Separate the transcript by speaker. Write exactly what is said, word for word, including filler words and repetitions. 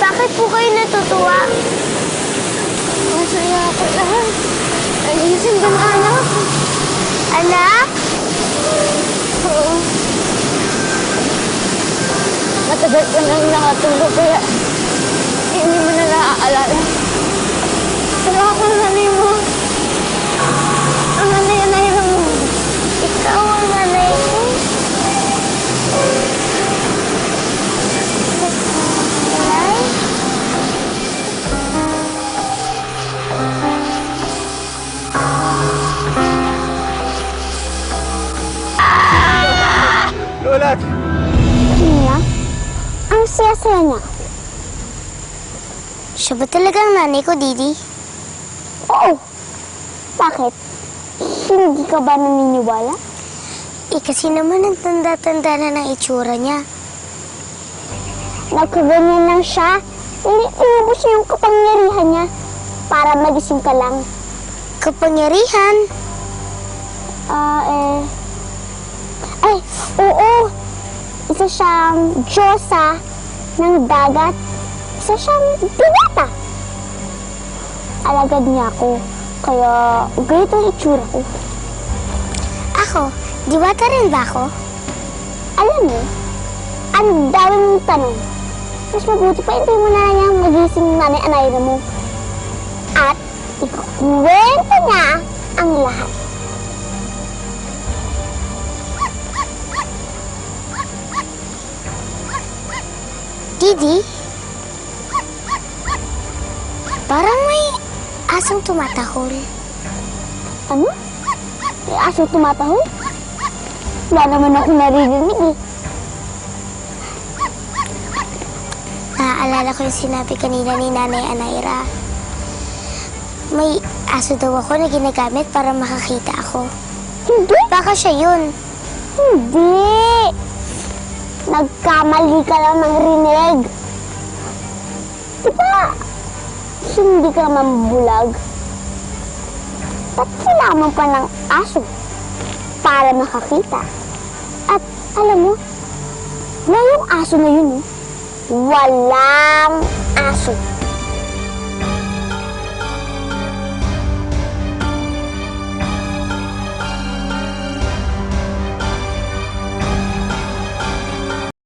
Speaker 1: Bakit po kayo natutuwa?
Speaker 2: Masaya ako lahat. Ayusin ka na, anak.
Speaker 1: Anak?
Speaker 2: Oo. Matagal ka nang nakatulog, kaya hindi mo na naaalala. Pero ako ang nanay mo. Ang nanay-nanay mo.
Speaker 1: Ikaw ang nanay ko. Nanay?
Speaker 3: Lola!
Speaker 1: Niya? Ang saya-saya niya. Siya ba talagang nanay ko, Didi? Oo. Bakit? Hindi ka ba naniniwala? Eh, kasi naman ang tanda-tanda na ng itsura niya. Nagkaganyan lang siya. Hindi inubos niya yung kapangyarihan niya para magising ka lang. Kapangyarihan? Ah, eh... Ay, oo! Isa siyang Diyosa ng dagat. Isa siyang binata. Alagad niya ako. Kaya ganito ang itsura ko. Ako? Diwata rin ba ako? Alam mo, ang dami mong tanong. Mas mabuti pa ito mo na niyang magising nanay-anay na mo. At ikukwento niya ang lahat. Didi? Parang may asong tumatahol. Ano? May asong tumatahol? Wala naman ako naririnig eh. Naaalala ko yung sinabi kanina ni Nanay Anaira. May aso daw ako na ginagamit para makakita ako. Hindi? Baka siya yun. Hindi! Nagkamali ka lang ng rinig. Diba, hindi ka mambulag? Ba't kailangan pa ng aso para makakita? At alam mo, ngayong aso na yun, eh, walang aso.